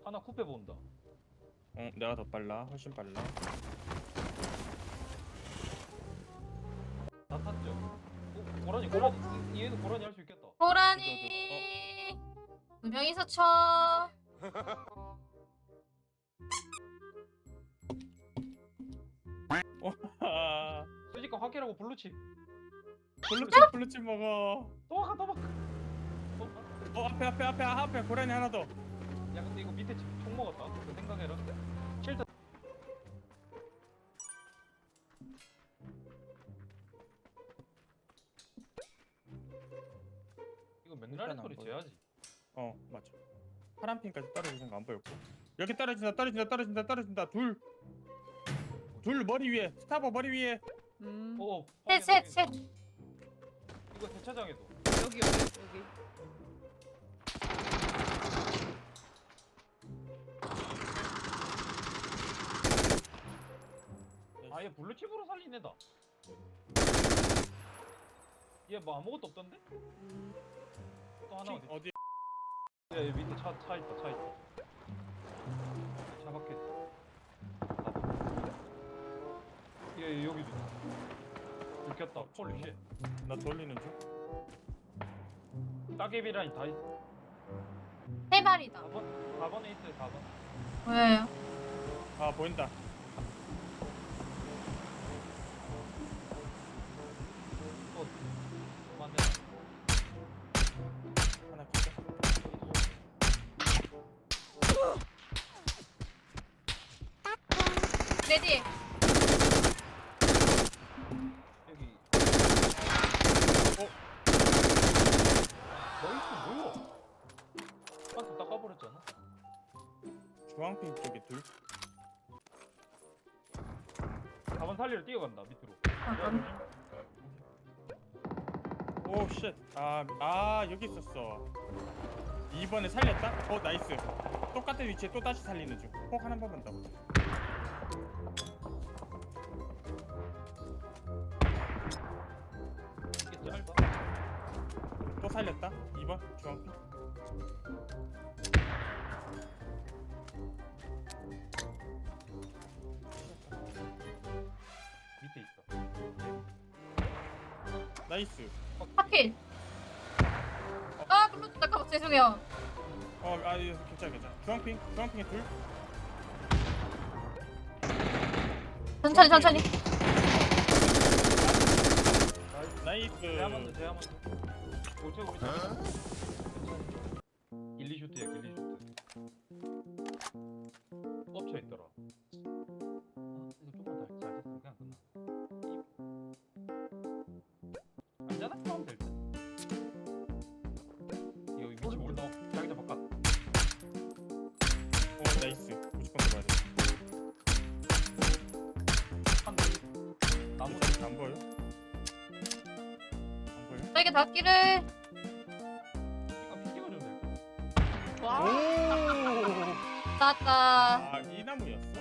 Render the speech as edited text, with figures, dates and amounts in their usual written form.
하나 쿠페 본다. 내가 더 빨라. 훨씬 빨라. 다 탔죠? 고라니 얘는 고라니 할 수 있겠다. 고라니 두 명이서 쳐. 아, 수직과 확실하고 블루칩. 블루칩 먹어. 도망가. 앞에 고라니 하나 더. 야 근데 이거 밑에 총 먹었다. 그 생각해라. 쉘터. 이거 맨날 일단 안 소리 보여. 재야지. 맞아. 파란 핀까지 떨어지는 거 안 보였고. 여기 떨어진다. 둘 머리 위에. 스타버 머리 위에. 셋. 이거 대차장에도. 여기. 아얘 블루칩으로 살린 애다. 얘 뭐 아무것도 없던데? 또 하나 어디? 어디? 야, 여기 밑에 차 있다. 차 밖에 있어. 얘 여기도 있어. 들켰다. 홀리 쉣. 나 돌리는 중. 따개비 라인 다 있어. 세 마리다. 4번에 있어요. 4번. 왜요? 아 보인다. 또 맞네. 하나 기자. 레디. 여기. 나이스 뭐야? 한테 닦아버렸잖아. 주황핀 쪽에 둘. 4번 살리러 뛰어간다 밑으로. 오 쉣. 아 여기 있었어. 2번에 살렸다? 나이스. 똑같은 위치에 또 다시 살리는 중. 폭 하나 번만 더. 이게 짧아. 또 살렸다. 2번 주황핀. 밑에 있어. 나이스. 하필. 아 블루 잠깐만 죄송해요. 이거 괜찮아. 주황핑에 둘. 천천히. 나이스. 제아만드. 우리 1,2슈트야 1,2슈트. 엎쳐 있더라. 이거 좀만 더 잘 됐으면 그냥 끝나. 안전하게 하면 될 듯. 이거 위치 모른다. 자기장 바깥. 나이스. 무조건 들어가야 돼. 한 대. 나무 나무 안 보여? 저에게 닿기를. 이거 찍어주면 될 듯. 와. 오. 나왔다. 이 나무였어.